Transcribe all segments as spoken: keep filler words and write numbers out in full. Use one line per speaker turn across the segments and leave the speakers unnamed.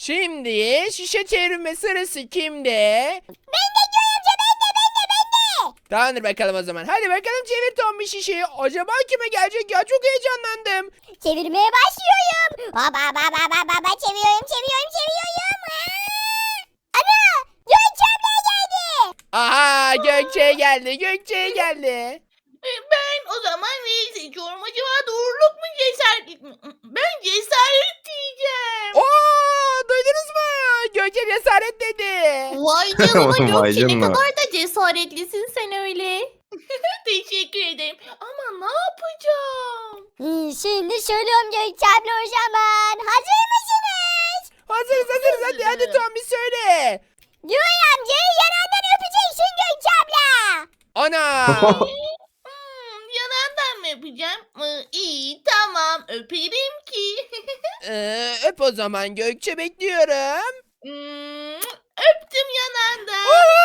Şimdi şişe çevirme sırası kimde?
Ben de Joy amca ben de ben de ben de.
Tamamdır bakalım o zaman. Hadi bakalım çevir Tom bir şişeyi. Acaba kime gelecek ya? Çok heyecanlandım.
Çevirmeye başlıyorum. Baba baba baba baba çeviriyorum çeviriyorum çeviriyorum. Aa! Ana Gökçe abla geldi.
Aha Gökçe geldi. Gökçe geldi.
E, Ben o zaman neyi seçiyorum? Acaba doğruluk mu cesaretlik mi? Ben cesaret diyeceğim.
Oo, duydunuz mu? Gökçe cesaret dedi.
Vay canına
Vay
Gökçe ne
canına.
kadar da cesaretlisin sen öyle. Teşekkür ederim. Ama ne yapacağım?
Hmm, şimdi söylüyorum Gökçe abla o zaman. Hazır mısınız?
Hazırız hazırız. Hadi hadi Tom bir söyle.
Joy amcayı yanağından öpeceksin Gökçe abla.
Ana.
Hmm, yanağından mı yapacağım? Ee, iyi tamam öperim ki.
Ee, öp o zaman Gökçe bekliyorum.
Hmm, öptüm yanağından.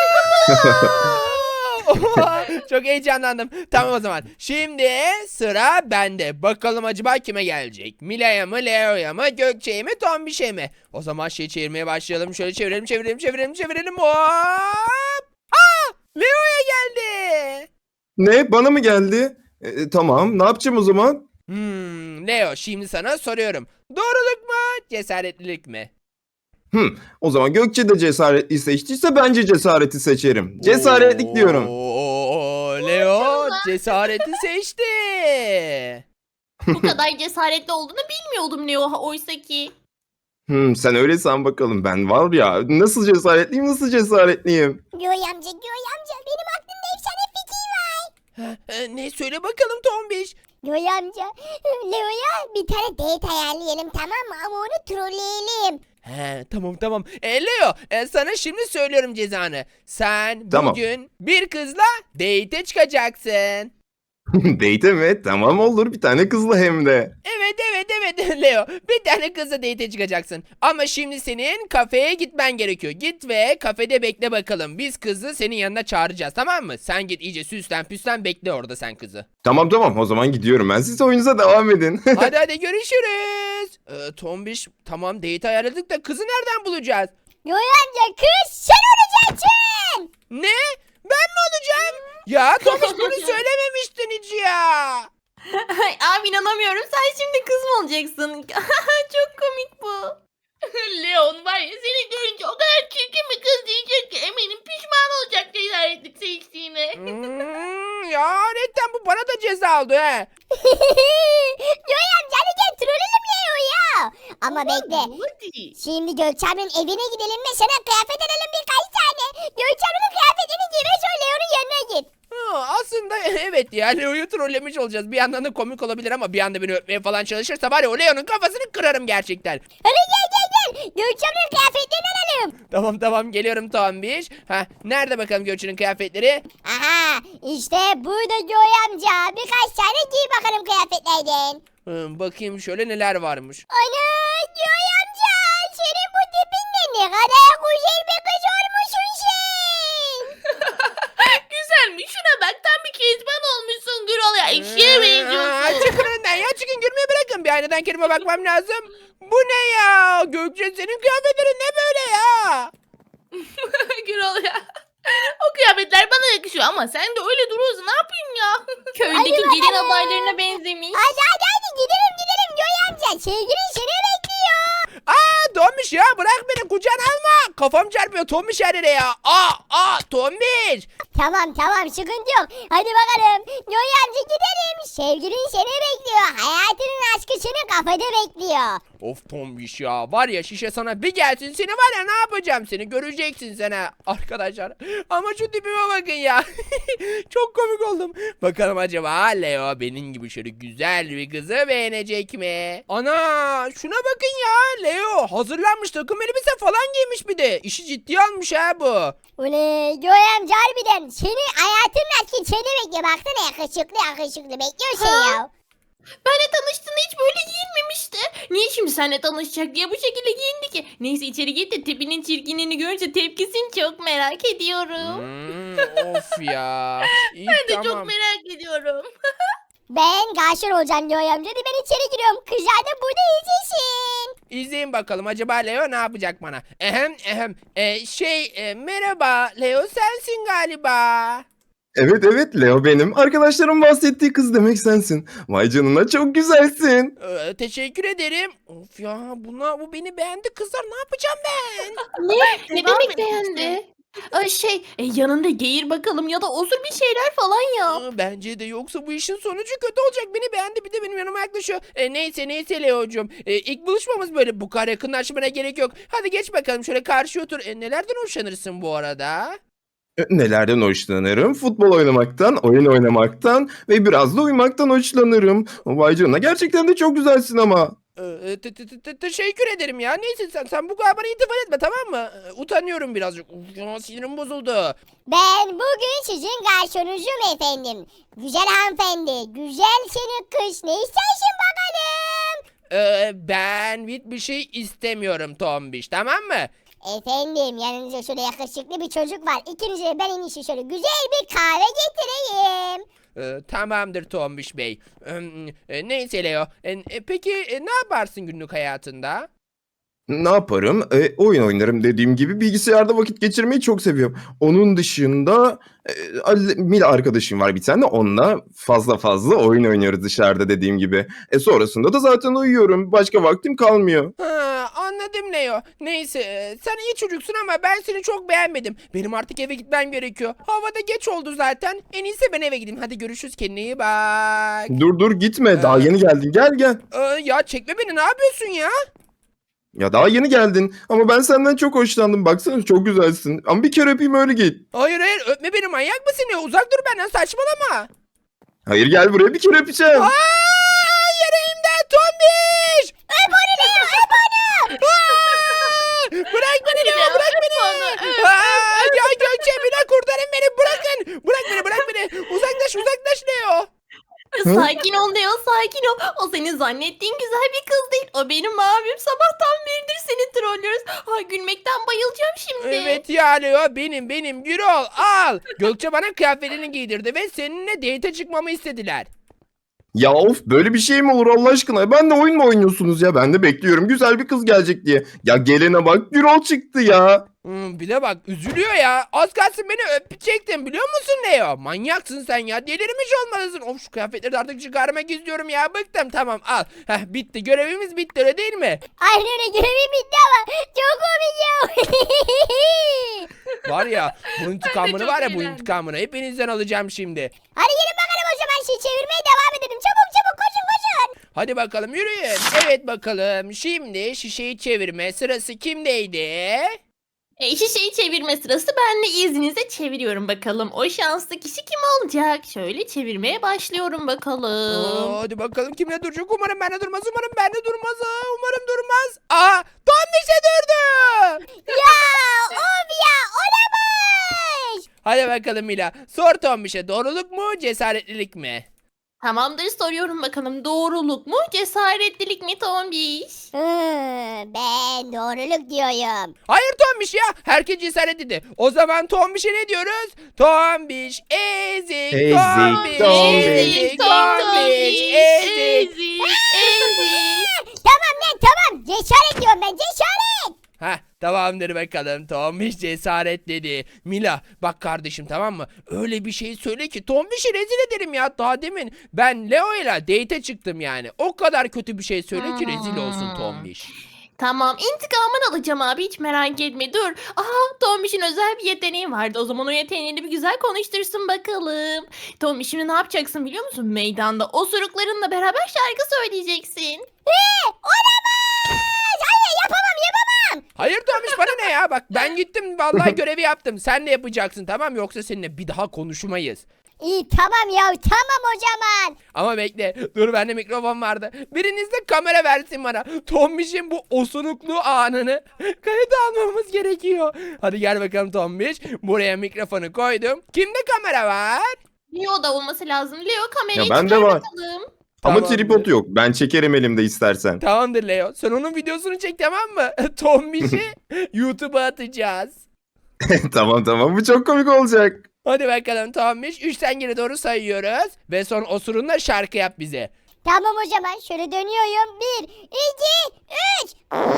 Oha, çok heyecanlandım. Tamam o zaman. Şimdi sıra bende. Bakalım acaba kime gelecek? Mila'ya mı, Leo'ya mı, Gökçe'ye mi, Tombiş'e mi? O zaman şey çevirmeye başlayalım. Şöyle çevirelim, çevirelim, çevirelim, çevirelim. Hop! Aa! Leo'ya geldi.
Ne? Bana mı geldi? E, tamam. Ne yapacağım o zaman?
Hmm, Leo şimdi sana soruyorum. Doğruluk mu, cesaretlilik mi?
Hmm, o zaman Gökçe de cesaretli seçtiyse bence cesareti seçerim. Cesaretlik diyorum.
Oo, Leo cesareti seçti.
Bu kadar cesaretli olduğunu bilmiyordum Leo oysa ki.
Hmm, sen öyle san bakalım. Ben var ya nasıl cesaretliyim nasıl cesaretliyim.
Joy amca Joy amca benim aklımda efsane fikir var.
Ha, e, ne söyle bakalım Tombiş.
Joy amca Leo'ya bir tane date ayarlayalım tamam mı ama onu trolleyelim.
He, tamam tamam. E, Leo e, sana şimdi söylüyorum cezanı. Sen
Tamam.
bugün bir kızla date'e çıkacaksın.
Date mi? Tamam olur bir tane kızla hem de.
Evet evet evet Leo. Bir tane kızla date'e çıkacaksın. Ama şimdi senin kafeye gitmen gerekiyor. Git ve kafede bekle bakalım. Biz kızı senin yanına çağıracağız tamam mı? Sen git iyice süslen püslen bekle orada sen kızı.
Tamam tamam o zaman gidiyorum ben. Siz oyunuza devam edin.
Hadi hadi görüşürüz. Ee, Tombiş tamam date ayarladık da kızı nereden bulacağız?
Joy amca kız sen olacaksın.
Ne? Ben mi olacağım? Ya Tombiş bunu söylememiştin hiç ya.
Ay, abi inanamıyorum sen şimdi kız mı olacaksın? Çok komik bu. Leon var ya seni görünce o kadar çirkin bir kız diyecek ki eminim pişman olacak cesaretlik seçtiğine.
Hmm, ya netten bu bana da ceza oldu he.
Joy amca hadi gel trolleyelim Leo'yu. Ama bekle.
Hadi.
Şimdi Gökçe ablanın evine gidelim ve sana kıyafet alalım birkaç tane. Gökçe ablanın kıyafetini giy ve sonra Leo'nun yanına git.
Ha, aslında evet ya Leo'yu trollemiş olacağız. Bir yandan da komik olabilir ama bir anda beni öpmeye falan çalışırsa var ya o Leo'nun kafasını kırarım gerçekten.
Hadi gel gel gel. Gökçe ablanın kıyafetlerini alalım.
Tamam tamam geliyorum Tombiş. Ha nerede bakalım Gökçe'nin kıyafetleri?
Aha işte burada Joy amca. Birkaç tane giy bakalım kıyafetlerden.
Hmm, bakayım şöyle neler varmış.
Ana Joy amca. Senin bu tipinle ne kadar güzel bir kız olmuşsun sen.
Güzelmiş şuna bak tam bir kezban olmuşsun Gürol ya eşeğe
Aa,
benziyorsun.
çıkın önden ya çıkın gülmeyi bırakın. Bir aynadan kendime bakmam lazım. Bu ne ya? Gökçe senin kıyafetlerin ne böyle ya?
Gürol ya. O kıyafetler bana yakışıyor ama sen de öyle duruyorsun ne yapayım ya? Köydeki
Hadi
gelin
bakalım.
adaylarına benzemiş.
Hadi hadi hadi gidelim gidelim Joy amca. Sevgilin seni bekliyor.
Aa Tombiş ya bırak beni kucağına alma. Kafam çarpıyor Tombiş her yere ya. Aa aa Tombiş.
Tamam tamam sıkıntı yok. Hadi bakalım. Joy amca gidelim. Sevgilin seni bekliyor. Hayatının aşkı seni kafede bekliyor.
Of Tombiş ya var ya şişe sana bir gelsin seni var ya ne yapacağım seni göreceksin sen ha arkadaşlar. Ama şu tipime bakın ya. Çok komik oldum. Bakalım acaba Leo benim gibi şöyle güzel bir kızı beğenecek mi? Ana şuna bakın ya Leo hazırlanmış takım elbise falan giymiş bir de. İşi ciddiye almış ha bu.
Ule Joy amca harbiden seni hayatının aşkı seni bekliyor. Baksana yakışıklı yakışıklı bekliyor seni
Ha?
ya.
Benle tanıştığında hiç böyle giyinmemişti. Niye şimdi seninle tanışacak diye bu şekilde giyindi ki? Neyse içeri git de tipinin çirkinliğini görünce tepkisini çok merak ediyorum.
Hmm, of ya. İyi,
Ben de
tamam.
çok merak ediyorum.
Ben garson olacağım Joy amca. Hadi ben içeri giriyorum. Kızlar da burada izlesin.
İzleyin bakalım acaba Leo ne yapacak bana? Ehem ehem. E, şey e, merhaba Leo sensin galiba.
Evet evet Leo benim. Arkadaşlarım bahsettiği kız demek sensin. Vay canına çok güzelsin.
Ee, teşekkür ederim. Of ya buna bu beni beğendi kızlar ne yapacağım ben?
Ne? Ne
Devam
demek
et
beğendi? Ay şey e, yanında geğir bakalım ya da osur bir şeyler falan yap.
Aa, bence de yoksa bu işin sonucu kötü olacak. Beni beğendi bir de benim yanıma yaklaşıyor. E, neyse neyse Leo'cum. E, ilk buluşmamız böyle bu kadar yakınlaşmana gerek yok. Hadi geç bakalım şöyle karşıya otur. E, nelerden hoşlanırsın bu arada?
E, Nelerden hoşlanırım? Futbol oynamaktan, oyun oynamaktan ve biraz da uyumaktan hoşlanırım. Vay canına gerçekten de çok güzelsin ama.
Ee, te- te- te- te- teşekkür ederim ya. Neyse sen sen bu kadar bana itifat etme tamam mı? Ee, Utanıyorum birazcık. Uf, ya, sinirim bozuldu.
Ben bugün sizin garsonunuzum efendim. Güzel hanımefendi. Güzel senin kız. Ne istersin bakalım?
Ee, ben bir şey istemiyorum Tombiş tamam mı?
Efendim yanınızda şöyle yakışıklı bir çocuk var. İkinize de ben en iyisi şöyle güzel bir kahve getireyim.
Ee, tamamdır Tombiş Bey. Ee, e, neyse Leo. E, e, peki e, ne yaparsın günlük hayatında?
Ne yaparım? E, oyun oynarım dediğim gibi. Bilgisayarda vakit geçirmeyi çok seviyorum. Onun dışında e, Ali- Mila arkadaşım var bir tane. Onunla fazla fazla oyun oynuyoruz dışarıda dediğim gibi. E sonrasında da zaten uyuyorum. Başka vaktim kalmıyor.
Ha, anladım Leo. Neyse e, sen iyi çocuksun ama ben seni çok beğenmedim. Benim artık eve gitmem gerekiyor. Havada geç oldu zaten. En iyisi ben eve gideyim. Hadi görüşürüz kendine iyi bak.
Dur dur gitme. Daha yeni geldin. Gel gel.
Ee, ya çekme beni ne yapıyorsun ya?
Ya daha yeni geldin. Ama ben senden çok hoşlandım. Baksana çok güzelsin. Ama bir kere öpeyim öyle git.
Hayır hayır öpme beni manyak mısın ya? Uzak dur benden saçmalama.
Hayır gel buraya bir kere öpeceğim.
Aa, yereğimden tombiş.
Öp onu Leo öp onu.
Aa, bırak beni Leo bırak beni. Aa, ya Gökçe Mila kurtarın beni bırakın. Bırak beni bırak beni. Uzaklaş uzaklaş Leo.
Sakin ol Leo sakin ol. O senin zannettiğin güzel bir kız değil. O benim abim sabahtan beridir seni trollüyoruz. Ay gülmekten bayılacağım şimdi.
Evet ya Leo benim benim Gürol al. Gökçe bana kıyafetini giydirdi ve seninle date çıkmamı istediler.
Ya of böyle bir şey mi olur Allah aşkına? Ben de oyun mu oynuyorsunuz ya? Ben de bekliyorum güzel bir kız gelecek diye. Ya gelene bak Gürol çıktı ya.
Hmm, bir de bak üzülüyor ya. Az kalsın beni öpecektin biliyor musun Leo? Manyaksın sen ya. Delirmiş olmalısın. Of şu kıyafetleri de artık çıkarmak istiyorum ya. Bıktım tamam al. Heh, bitti görevimiz bitti öyle değil mi?
Aynen öyle görevim bitti ama çok komik ya.
Var ya bu intikamını
çok
var ya bu
eğlendim.
intikamını hepinizden alacağım şimdi.
Hadi gelin bakalım o zaman şey çevirmeye devam edelim. Çabuk çabuk koşun koşun.
Hadi bakalım yürüyün. Evet bakalım şimdi şişeyi çevirme sırası kimdeydi?
E, şişeyi çevirme sırası ben de izninizle çeviriyorum bakalım. O şanslı kişi kim olacak? Şöyle çevirmeye başlıyorum bakalım.
Oo, hadi bakalım kimle duracak? Umarım bende durmaz. Umarım bende durmaz. Aa, umarım durmaz. Aa, Tombiş'e durdu.
Ya of ya olamaz.
Hadi bakalım Mila. Sor Tombiş'e doğruluk mu cesaretlilik mi?
Tamamdır soruyorum bakalım. Doğruluk mu cesaretlilik mi Tombiş?
Hmm, ben doğruluk diyorum.
Hayır Tombiş ya. Herkes cesaret dedi. O zaman Tombiş'e ne diyoruz? Tombiş ezik.
Ezik,
Tombiş
Tombiş.
ezik. Tombiş ezik.
ezik.
Tamam lan tamam. Cesaret diyorum ben cesaret.
Heh tamamdır bakalım. Tombiş cesaret dedi. Mila bak kardeşim tamam mı? Öyle bir şey söyle ki Tombiş'i rezil ederim ya. Daha demin ben Leo ile date'e çıktım yani. O kadar kötü bir şey söyle ki rezil olsun
Hmm.
Tombiş.
Tamam intikamını alacağım abi hiç merak etme dur. Aha Tombiş'in özel bir yeteneği vardı. O zaman o yeteneğini bir güzel konuştursun bakalım. Tombiş şimdi ne yapacaksın biliyor musun? Meydanda osuruklarınla beraber şarkı söyleyeceksin.
Olamaz. Hayır yapamam yapamam.
Hayır Tombiş bana ne ya? Bak ben gittim vallahi görevi yaptım. Sen de yapacaksın tamam yoksa seninle bir daha konuşmayız.
İyi tamam ya tamam o zaman.
Ama bekle dur bende mikrofon vardı. Biriniz de kamera versin bana. Tombiş'in bu osuruklu anını kayıt almamız gerekiyor. Hadi gel bakalım Tombiş. Buraya mikrofonu koydum. Kimde kamera var?
Leo da olması lazım. Leo kamerayı
Ya bende
çıkar
var.
bakalım.
Ama
Tamamdır.
tripod yok. Ben çekerim elimde istersen.
Tamamdır Leo. Sen onun videosunu çek tamam mı? Tombiş'i YouTube'a atacağız.
Tamam tamam bu çok komik olacak.
Hadi bakalım Tombiş. Üçten geri doğru sayıyoruz. Ve son osurunla şarkı yap bize.
Tamam o zaman şöyle dönüyorum. Bir, iki, üç.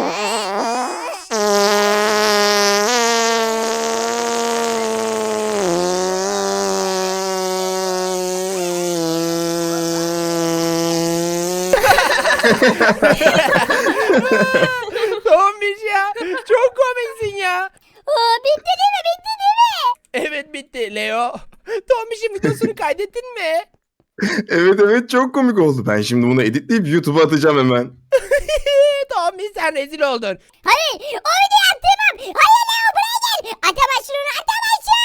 Tombiş ya. Çok komiksin ya.
Aa, bitti değil mi? Bitti değil mi?
Evet bitti Leo. Tombiş'in videosunu kaydettin mi?
Evet evet çok komik oldu. Ben şimdi bunu editleyip YouTube'a atacağım hemen.
Tombiş sen rezil oldun.
Hayır o videoyu attırmam. Hayır Leo buraya gel. Atamazsın onu atamazsın.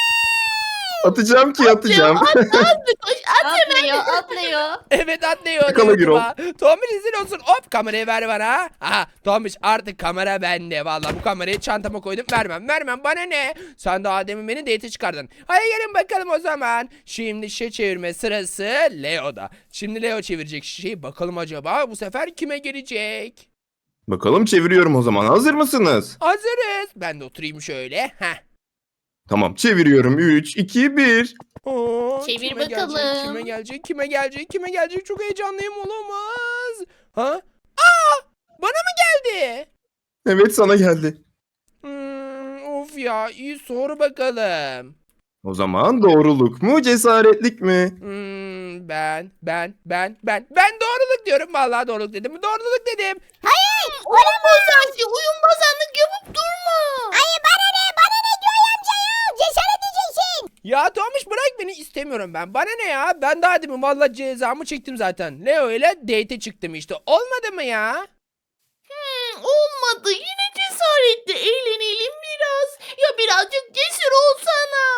Atacağım ki atacağım.
At at koş at hemen.
Atlıyor, atlıyor.
Evet atlıyor.
Yakala
YouTube'a. Tombiş rezil olsun. Hop kamerayı ver bana. Aha Tombiş artık kamera bende. Vallahi bu kamerayı çantama koydum. Vermem vermem bana ne? Sen daha demin beni date çıkardın. Hadi gelin bakalım o zaman. Şimdi şişe çevirme sırası Leo'da. Şimdi Leo çevirecek şişeyi. Bakalım acaba bu sefer kime gelecek?
Bakalım çeviriyorum o zaman. Hazır mısınız?
Hazırız. Ben de oturayım şöyle. Heh.
Tamam çeviriyorum. üç, iki, bir.
Oo,
Çevir
kime
bakalım.
Gelecek, kime gelecek? Kime gelecek? Kime gelecek? Çok heyecanlıyım olamaz. Ha? Aa! Bana mı geldi?
Evet sana geldi.
Hmm, of ya iyi sor bakalım.
O zaman doğruluk mu cesaretlik mi?
Hmm, ben ben ben ben ben doğruluk diyorum. Vallahi doğruluk dedim. Doğruluk dedim.
Hayır.
Oyun bozancı oyun bozanlık yapıp durma.
Hayır bana ne? Bana ne diyor amca ya? Cesaret diyeceksin.
Ya Tomiş bırak beni istemiyorum ben. Bana ne ya? Ben daha demin vallahi cezamı çektim zaten. Leo ile date çıktım işte. Olmadı mı ya?
Hmm, olmadı yine cesaretle eğlenelim biraz. Ya birazcık cesur olsana.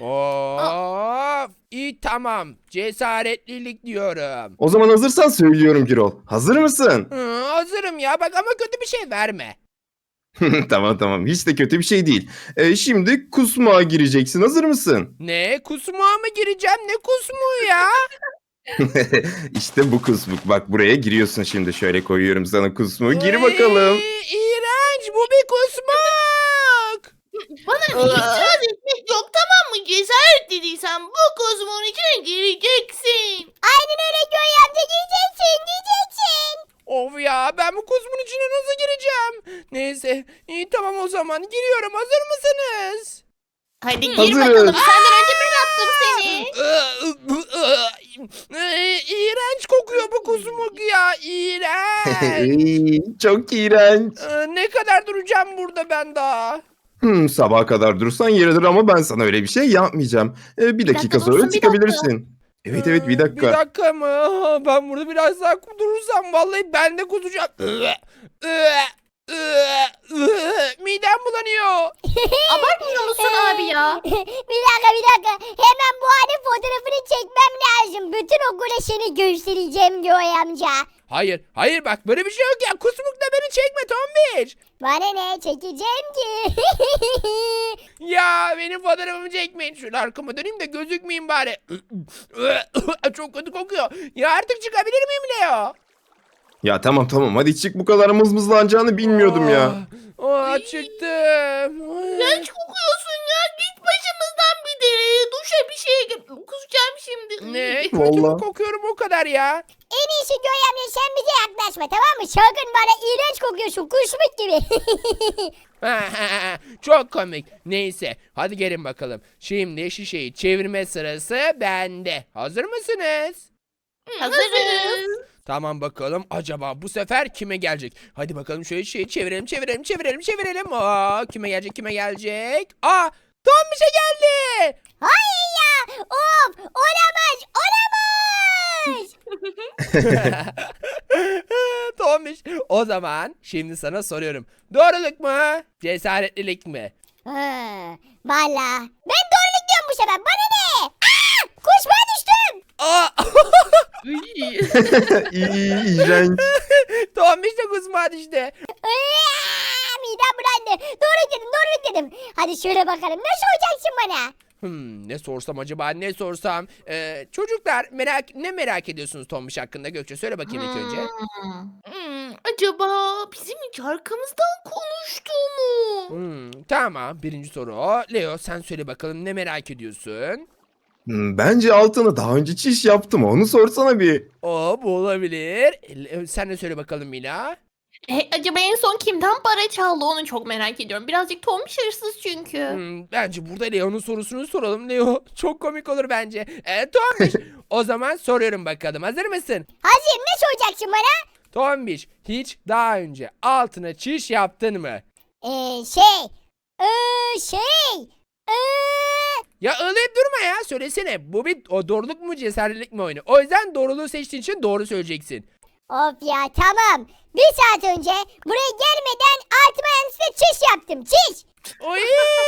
Of, iyi tamam. Cesaretlilik diyorum.
O zaman hazırsan söylüyorum Girol. Hazır mısın?
Hı, hazırım ya bak ama kötü bir şey verme.
Tamam tamam hiç de kötü bir şey değil. Ee, şimdi kusmağa gireceksin. Hazır mısın?
Ne kusmuğa mı gireceğim ne kusmuğu ya?
İşte bu kusmuk. Bak buraya giriyorsun şimdi. Şöyle koyuyorum sana kusmuğu. Gir bakalım.
Iy, İğrenç bu bir kusmuk.
Bana itiraz etmek yok tamam mı? Cesaret dediysen bu kozmonun içine gireceksin.
Aynen öyle diyor amca diyeceksin diyeceksin.
Of ya ben bu kusmun içine nasıl gireceğim? Neyse iyi tamam o zaman giriyorum hazır mısınız?
Hadi gir
Hazırız.
bakalım. Senden önce ben attım seni.
Iı, İğrenç kokuyor bu kusmuk ya iğrenç.
Ey, Çok iğrenç.
Ee, Ne kadar duracağım burada ben daha?
Hmm, sabaha kadar durursan yeridir ama ben sana öyle bir şey yapmayacağım. Ee, bir dakika
dakika
sonra
dursun, bir
çıkabilirsin. Evet evet bir
Ee,
dakika.
Bir dakika mı? Ha, Ben burada biraz daha durursam vallahi ben de kusacağım. Iı, ıı, ıı, ıı, Midem bulanıyor.
Abartmıyor musun abi ya?
bir dakika bir dakika. Hemen bu halin fotoğrafını çekmem lazım. Bütün okula seni göstereceğim diyor amca.
Hayır, hayır bak böyle bir şey yok ya. Kusmukla beni çekme Tombiç.
Bana ne çekeceğim ki?
Ya benim fotoğrafımı çekmeyin. Şöyle arkama döneyim de gözükmeyeyim bari. Çok kötü kokuyor. Ya artık çıkabilir miyim Leo?
Ya tamam tamam hadi çık bu kadar mızmızlanacağını bilmiyordum ya.
Aa, aa, çıktım. Ay.
İğrenç kokuyorsun ya. Git başımızdan bir de. Duşa bir şeye gir. Kusacağım şimdi.
Ne? Kötü mü
Vallahi.
kokuyorum o kadar ya?
En iyisi diyor amca sen bize yaklaşma tamam mı? Sakın bana iğrenç kokuyorsun kuşmuk gibi.
Çok komik. Neyse hadi gelin bakalım. Şimdi şişeyi çevirme sırası bende. Hazır mısınız?
Hazırız.
Tamam bakalım acaba bu sefer kime gelecek? Hadi bakalım şöyle şeyi çevirelim çevirelim çevirelim çevirelim. Aa, kime gelecek kime gelecek? Aa Tombiş'e geldi.
Hayır ya. Of olamaz olamaz.
Tombiş o zaman şimdi sana soruyorum. Doğruluk mu? Cesaretlilik mi?
Ha, valla. Ben doğruluk diyorum bu sefer. Bana ne? Aa, kuşmaya düştüm.
Aa!
İyi iğrenç.
Tombiş de kusmağa düştü.
Aa, midem bulandı. Doğruluk dedim doğruluk dedim. Hadi şöyle bakalım. Ne soracaksın bana?
Hmm, ne sorsam acaba ne sorsam? Ee, çocuklar merak ne merak ediyorsunuz Tombiş hakkında Gökçe söyle bakayım ilk önce.
Hmm, acaba bizim hiç arkamızdan konuştu mu?
Hmm, tamam, birinci soru o. Leo sen söyle bakalım, ne merak ediyorsun?
Hmm, Bence altına daha önce çiş yaptım. Onu sorsana bir.
O bu olabilir. E, Leo, sen de söyle bakalım Mila.
E, acaba en son kimden para çaldı onu çok merak ediyorum. Birazcık tombiş hırsız çünkü.
Hmm, bence burada Leo'nun sorusunu soralım. Leo çok komik olur bence. E, Tombiş o zaman soruyorum bakalım. Hazır mısın?
Hazır, ne soracaksın bana?
Tombiş hiç daha önce altına çiş yaptın mı?
Ee, şey. Ee, şey. Ee,
Ya ağlayıp durma ya, söylesene. Bu bir o doğruluk mu cesaretlik mi oyunu? O yüzden doğruluğu seçtiğin için doğru söyleyeceksin.
of ya, tamam. Bir saat önce buraya gelmeden altıma yanlışlıkla çiş yaptım. Çiş.
Oy!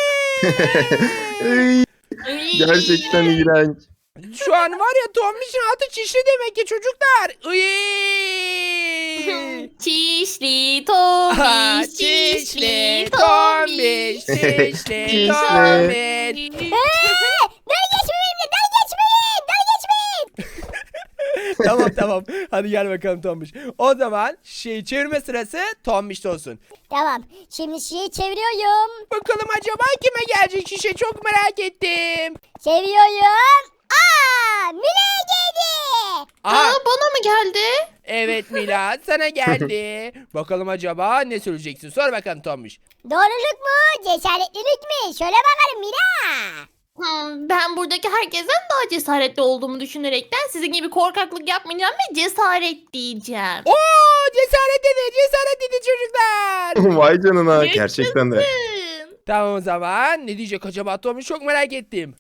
Ey,
Ay.
gerçekten iğrenç.
Şu an var ya, Tombiş'in altı çişli demek ki çocuklar. Iy!
Çişli
Aha,
tombiş, çişli
çişli
tombiş.
Tombiş, çişli
Çişli.
Tombiş.
Dalga geçmeyin benimle, dalga geçmeyin. Dalga geçmeyin.
Tamam tamam. Hadi gel bakalım Tombiş. O zaman şey çevirme sırası Tombiş'te olsun.
Tamam, şimdi şeyi çeviriyorum.
Bakalım acaba kime gelecek şişe, çok merak ettim.
Çeviriyorum. Aa, Mine'ye geldi.
Aha,
Aa, bana mı geldi?
evet Mila, sana geldi. Bakalım acaba ne söyleyeceksin? Sor bakalım Tombiş.
Doğruluk mu, cesaretlilik mi? Söyle bakalım Mine.
Hmm, ben buradaki herkesten daha cesaretli olduğumu düşünerekten sizin gibi korkaklık yapmayacağım ve cesaret diyeceğim.
Oo, cesaret dedi, cesaret dedi çocuklar.
Vay canına, gerçekten de.
Yaşasın.
Tamam o zaman ne diyecek acaba Tombiş, çok merak ettim.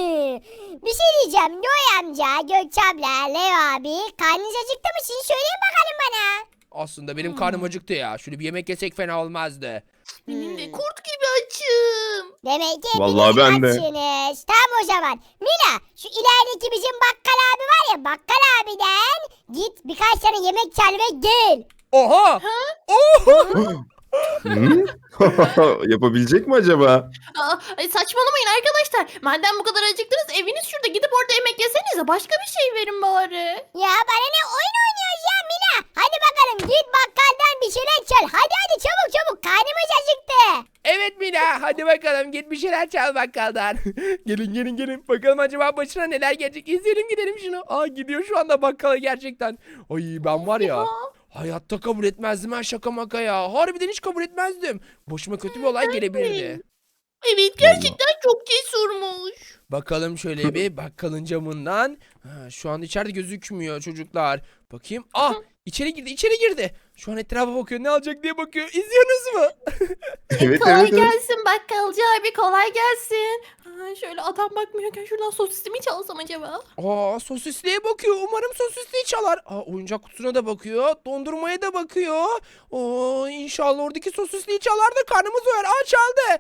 Bir şey diyeceğim. Noy amca, Gökçe abla, Leo abi. Karnınız acıktı mı? Siz söyleyin bakalım bana.
Aslında benim karnım acıktı ya. Şöyle bir yemek yesek fena olmazdı.
Benim de kurt gibi açım.
Demek ki
Vallahi
hepiniz
ben de.
açsınız. Tamam o zaman. Mila, şu ilerideki bizim bakkal abi var ya, bakkal abiden git birkaç tane yemek çal ve gel.
Oha! Oha!
Hı? Yapabilecek mi acaba?
Aa, ay saçmalamayın arkadaşlar. Madem bu kadar acıktınız eviniz şurada, gidip orada yemek yesenize. Başka bir şey verin bari.
Ya bana ne, oyun oynuyoruz ya Mila. Hadi bakalım, git bakkaldan bir şeyler çal. Hadi hadi, çabuk çabuk, karnımız acıktı.
Evet Mila, hadi bakalım git bir şeyler çal bakkaldan. Gelin gelin gelin. Bakalım acaba başına neler gelecek. İzleyelim, gidelim şunu. Aa, gidiyor şu anda bakkala gerçekten. Ay ben var ya. Hayatta kabul etmezdim ha, şaka maka ya. Harbiden hiç kabul etmezdim. Başıma kötü bir olay gelebilirdi.
Evet, gerçekten çok cesurmuş.
Bakalım şöyle bir bakkalın camından. Ha, şu an içeride gözükmüyor çocuklar. Bakayım. Ah, içeri girdi, içeri girdi. Şu an etrafa bakıyor, ne alacak diye bakıyor. İzliyorsunuz mu?
Evet
kolay
evet evet.
gelsin bakkalcı abi, kolay gelsin. Aa, şöyle adam bakmıyorken şuradan sosisimi çalsam acaba?
Aa, sosisliğe bakıyor. Umarım sosisliği çalar. Aa, oyuncak kutusuna da bakıyor. Dondurmaya da bakıyor. Oo, inşallah oradaki sosisliği çalar da karnımız doyar. Aa, çaldı.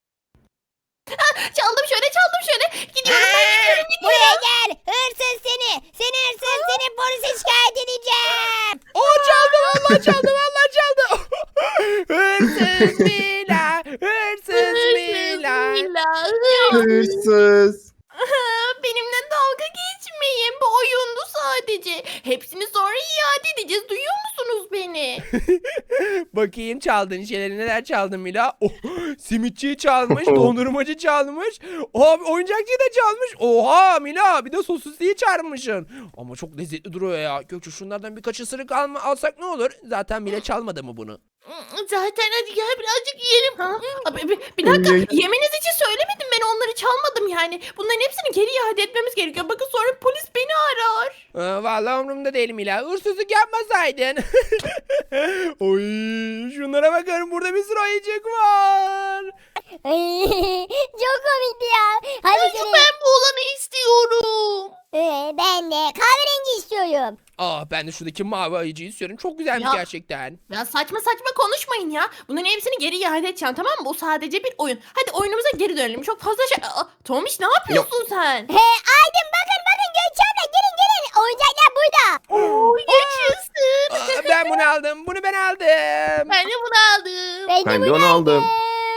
Çaldım şöyle, çaldım şöyle. Gidiyorum ben, gidiyorum gidiyorum.
Buraya gel. Hırsız seni. Seni hırsız, seni polise şikayet edeceğim.
Oo, çaldı vallahi, çaldı vallahi çaldı. Hırsız Mila. Hırsız Mila.
Mila.
Hırsız.
Benimle dalga geçmeyin. Bu oyundu sadece. Hepsini sonra iade edeceğiz. Duyuyor musunuz beni?
Bakayım çaldığın şeyleri, neler çaldın Mila? Oh, simitçiyi çalmış, dondurmacı çalmış. Oha, oyuncakçıyı da çalmış. Oha Mila, bir de sosisliği çalmışsın. Ama çok lezzetli duruyor ya. Gökçe, şunlardan birkaç ısırık alma, alsak ne olur? Zaten Mila çalmadı mı bunu?
Zaten hadi gel birazcık yiyelim. Ha? Abi, bir, bir dakika, yemeniz için söylemedim, ben onları çalmadım yani. Bunların hepsini geri iade etmemiz gerekiyor. Bakın sonra polis beni arar.
Aa, vallahi umurumda değil Mila. Hırsızlık yapmasaydın. Oy, şunlara bakalım, burada bir sürü oyuncak var.
Ay, çok komikti ya. Hadi gelin.
Ben bu olanı istiyorum.
Ee, ben de kahverengi istiyorum.
Aa, ben de şuradaki mavi ayıcıyı istiyorum. Çok güzelmiş
Ya.
gerçekten.
Ya saçma saçma konuşmayın ya. Bunların hepsini geri iade edeceğim, tamam mı? Bu sadece bir oyun. Hadi oyunumuza geri dönelim. Çok fazla şey... Aa, Tomiş, ne yapıyorsun sen?
He, Aydın, bakın bakın, Gökçe abla, gelin gelin. Oyuncaklar burada.
Oo, yaşasın.
Aa, ben bunu aldım. Bunu ben aldım.
Ben de bunu aldım.
Ben de
Ben de
bunu
onu aldım.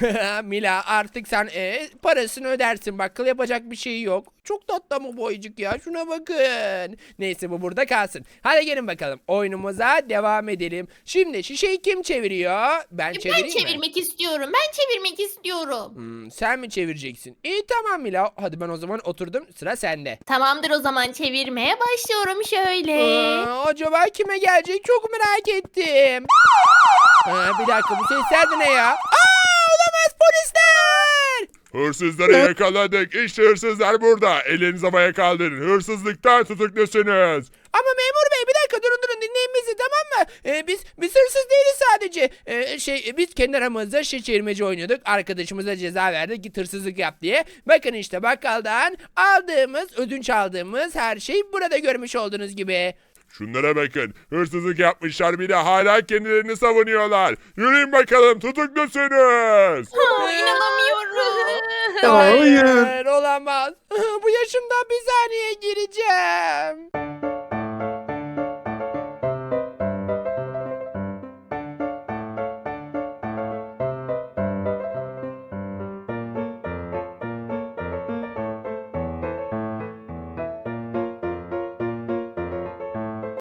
Mila artık sen e, parasını ödersin. Bak kıl yapacak bir şey yok. Çok tatlı mı bu oyuncak ya? Şuna bakın. Neyse bu burada kalsın. Hadi gelin bakalım. Oyunumuza devam edelim. Şimdi şişeyi kim çeviriyor? Ben
Ben
çevireyim mi?
çevirmek istiyorum. Ben çevirmek istiyorum.
Hmm, sen mi çevireceksin? İyi tamam Mila. Hadi ben o zaman oturdum. Sıra sende.
Tamamdır, o zaman çevirmeye başlıyorum şöyle.
Aa, acaba kime gelecek? Çok merak ettim. Aa, bir dakika bu sesler de ne ya? Aa, olamaz polisler.
Hırsızları yakaladık. İşte hırsızlar burada. Ellerinizi havaya kaldırın. Hırsızlıktan tutuklusunuz.
Ama memur bey bir dakika durun durun dinleyin bizi tamam mı? Ee, biz biz hırsız değiliz sadece. Ee, şey biz kendi aramızda şişe çevirmeci oynuyorduk. Arkadaşımıza ceza verdik git hırsızlık yap diye. Bakın işte bakkaldan aldığımız ödünç aldığımız her şey burada görmüş olduğunuz gibi.
Şunlara bakın. Hırsızlık yapmışlar bile hala kendilerini savunuyorlar. Yürüyün bakalım, tutuklusunuz.
Ha, inanamıyorum.
Hayır.
Olamaz. Bu yaşımda bir saniye gireceğim.